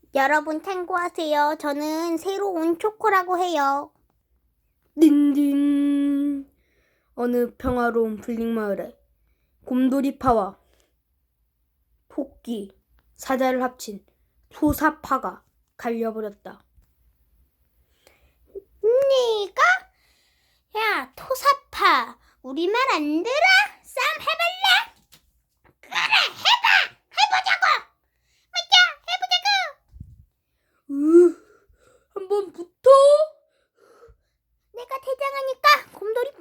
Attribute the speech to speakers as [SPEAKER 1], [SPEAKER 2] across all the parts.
[SPEAKER 1] 여러분 참고하세요. 저는 새로 온 초코라고 해요.
[SPEAKER 2] 딘딘. 어느 평화로운 풀링마을에 곰돌이파와 토끼, 사자를 합친 토사파가 갈려버렸다.
[SPEAKER 1] 네가? 야, 토사파. 우리 말 안 들어? 싸움 해볼래? 그래, 해보자고. 맞아, 해보자고.
[SPEAKER 2] 한번 붙어.
[SPEAKER 1] 내가 대장하니까 곰돌이파.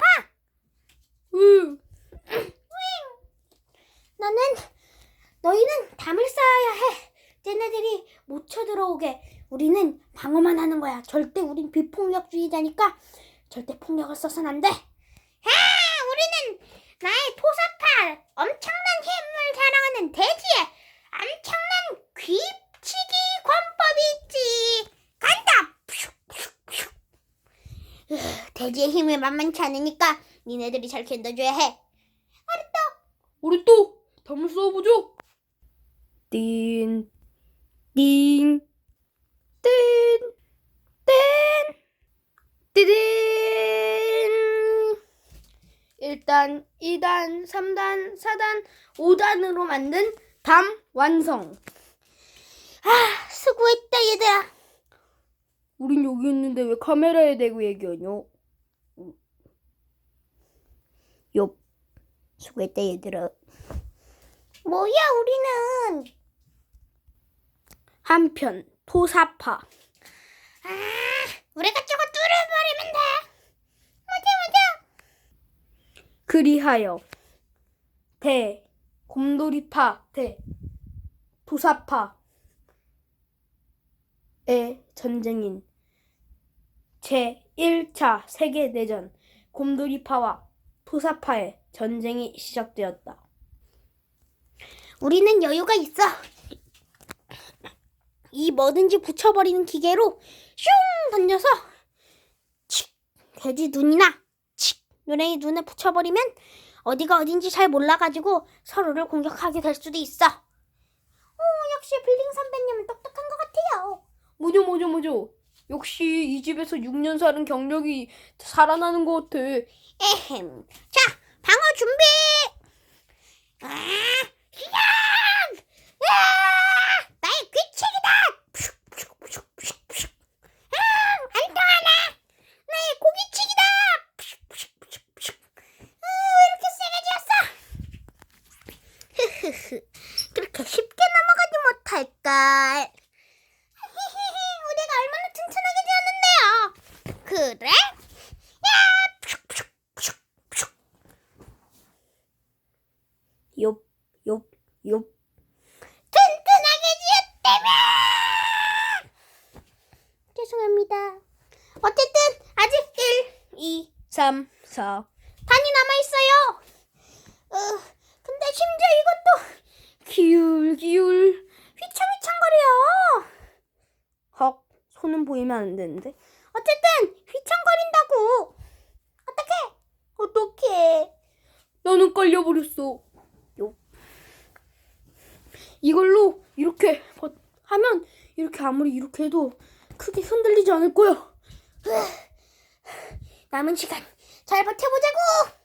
[SPEAKER 1] 너희는 담을 쌓아야 해. 쟤네들이 못 쳐들어오게. 우리는 방어만 하는 거야. 절대 우린 비폭력주의자니까 절대 폭력을 써서는 안 돼. 우리는 나의 토사파, 엄청난 힘을 자랑하는 대지에 엄청난 귀치기 권법이 있지. 간다. 대지의 힘이 만만치 않으니까 니네들이 잘 견뎌줘야 해.
[SPEAKER 2] 우리 또 담을 쌓아보죠. 띵, 띵, 띵, 띵, 띠딘. 1단, 2단, 3단, 4단, 5단으로 만든 담 완성.
[SPEAKER 1] 수고했다 얘들아.
[SPEAKER 2] 우린 여기 있는데 왜 카메라에 대고 얘기하냐? 엽.
[SPEAKER 1] 수고했다 얘들아. 뭐야 우리는.
[SPEAKER 2] 한편 토사파.
[SPEAKER 1] 우리가 저거 뚫어버리면 돼. 맞아.
[SPEAKER 2] 그리하여 곰돌이파 대 토사파의 전쟁인 제1차 세계대전 곰돌이파와 토사파의 전쟁이 시작되었다.
[SPEAKER 1] 우리는 여유가 있어. 이 뭐든지 붙여버리는 기계로 슝 던져서 칙 돼지 눈이나 칙 노랭이 눈에 붙여버리면 어디가 어딘지 잘 몰라가지고 서로를 공격하게 될 수도 있어. 역시 블링 선배님은 똑똑한 것 같아요.
[SPEAKER 2] 뭐죠. 역시 이 집에서 6년 사는 경력이 살아나는 것 같아.
[SPEAKER 1] 에헴. 자, 방어 준비. 시작! 나의 귀책이다. 안 통하나? 나의 고기치기다. 왜 이렇게 세게 지었어? 그렇게 쉽게 넘어가지 못할걸. 우리가 얼마나 튼튼하게 지었는데요. 그래?
[SPEAKER 2] 욥.
[SPEAKER 1] 튼튼하게 지었다며. 죄송합니다. 어쨌든 아직 1, 2,
[SPEAKER 2] 3, 4.
[SPEAKER 1] 단이 남아있어요. 근데 심지어 이것도
[SPEAKER 2] 기울.
[SPEAKER 1] 휘청휘청거려.
[SPEAKER 2] 헉, 손은 보이면 안 되는데.
[SPEAKER 1] 어쨌든 휘청거린다고. 어떡해.
[SPEAKER 2] 나는 깔려버렸어. 이걸로 이렇게 하면 이렇게 아무리 이렇게 해도 크게 흔들리지 않을 거야.
[SPEAKER 1] 남은 시간 잘 버텨보자고.